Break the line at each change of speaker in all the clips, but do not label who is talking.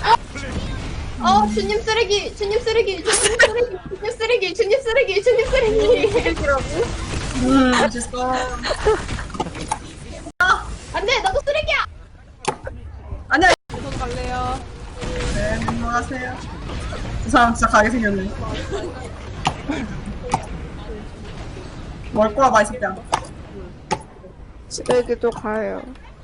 주님 쓰레기, 주님 쓰레기, 주님 쓰레기, 주님 쓰레기, 주님 쓰레기, 주님 쓰레기.
됐어.
안돼, 나도 쓰레기야.
아니야.
저도 갈래요.
네, 넘어가세요. 그 사람 진짜 가게 생겼네. 뭘 꼬라 맛있다.
쓰레기도 가요.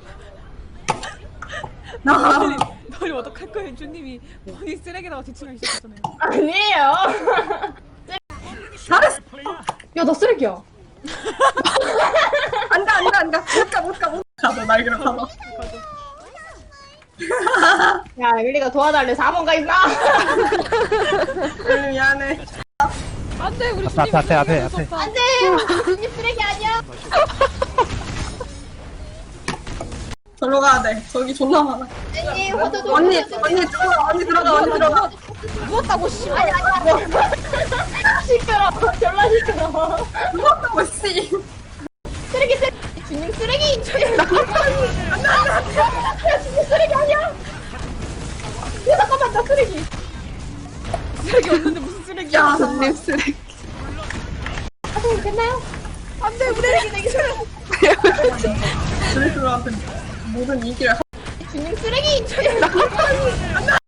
나.
너희 어떡할 거예요? 주님이 본인 쓰레기라고 지칭하기 시작했잖아요.
아니에요.
잘했어.
야, 나 쓰레기야.
안 가. 못 가. 가서 날개로 가서.
야, 윌리가 도와달래. 4번 가 있나?
미안해.
안돼 우리
앞에,
주님
앞에.
안돼, 주님 쓰레기 아니야.
절로 가야 돼. 저기 존나 많아.
언니, 호두도.
언니 들어가.
누웠다고 씨.
아니. 시끄러. 졸라 시끄러.
무섭다고 씨.
쓰레기. 주님 쓰레기. 주님 쓰레기 아니야. 야, 잠깐만, 나 쓰레기.
쓰레기 없는데 무슨 쓰레기야?
야,
손님 쓰레기.
선생님 됐나요?
안돼 우리 쓰레기 내기 싫어.
드레스한테 모든 인기를
주님 쓰레기. 주님